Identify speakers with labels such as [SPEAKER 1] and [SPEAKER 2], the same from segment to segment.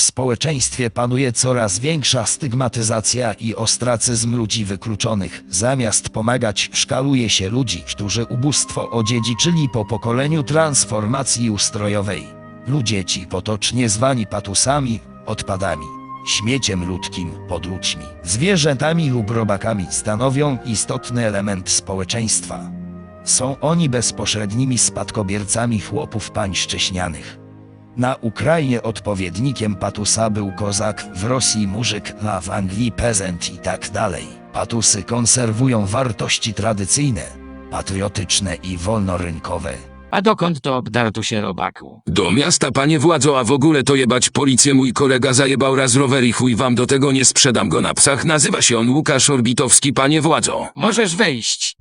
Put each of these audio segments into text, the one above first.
[SPEAKER 1] społeczeństwie panuje coraz większa stygmatyzacja i ostracyzm ludzi wykluczonych. Zamiast pomagać, szkaluje się ludzi, którzy ubóstwo odziedziczyli po pokoleniu transformacji ustrojowej. Ludzie ci potocznie zwani patusami, odpadami, śmieciem ludzkim, podludźmi, zwierzętami lub robakami stanowią istotny element społeczeństwa. Są oni bezpośrednimi spadkobiercami chłopów pańszczyźnianych. Na Ukrainie odpowiednikiem patusa był kozak, w Rosji murzyk, a w Anglii pezent i tak dalej. Patusy konserwują wartości tradycyjne, patriotyczne i wolnorynkowe.
[SPEAKER 2] A dokąd to obdartu się robaku?
[SPEAKER 3] Do miasta, panie władzo, a w ogóle to jebać policję, mój kolega zajebał raz rower i chuj wam do tego, nie sprzedam go na psach. Nazywa się on Łukasz Orbitowski, panie władzo.
[SPEAKER 2] Możesz wejść.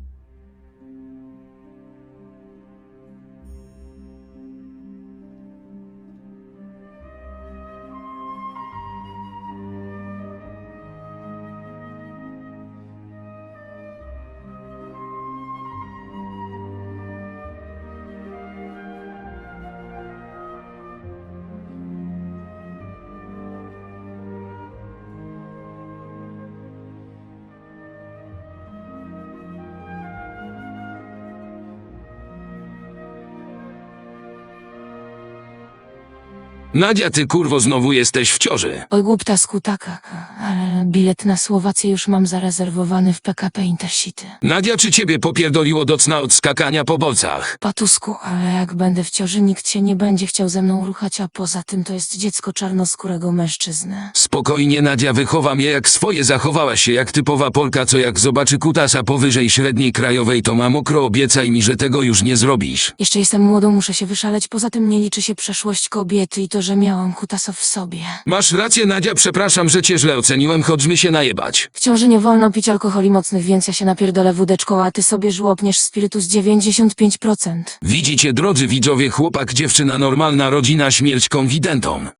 [SPEAKER 3] Nadia, ty kurwo znowu jesteś w ciąży.
[SPEAKER 4] Oj głupta skutaka, ale bilet na Słowację już mam zarezerwowany w PKP Intercity.
[SPEAKER 3] Nadia, czy ciebie popierdoliło do cna od skakania po bolcach?
[SPEAKER 4] Patusku, ale jak będę w ciąży, nikt się nie będzie chciał ze mną ruchać, a poza tym to jest dziecko czarnoskórego mężczyzny.
[SPEAKER 3] Spokojnie, Nadia, wychowam je jak swoje. Zachowałaś się jak typowa Polka, co jak zobaczy kutasa powyżej średniej krajowej, to ma mokro. Obiecaj mi, że tego już nie zrobisz.
[SPEAKER 4] Jeszcze jestem młodą, muszę się wyszaleć, poza tym nie liczy się przeszłość kobiety i to, że miałam kutasa w sobie.
[SPEAKER 3] Masz rację, Nadia, przepraszam, że cię źle oceniłem, chodźmy się najebać.
[SPEAKER 4] W ciąży nie wolno pić alkoholi mocnych, więc ja się napierdolę wódeczką, a ty sobie żłopniesz spirytus 95%.
[SPEAKER 3] Widzicie, drodzy widzowie, chłopak, dziewczyna, normalna rodzina, śmierć konfidentom.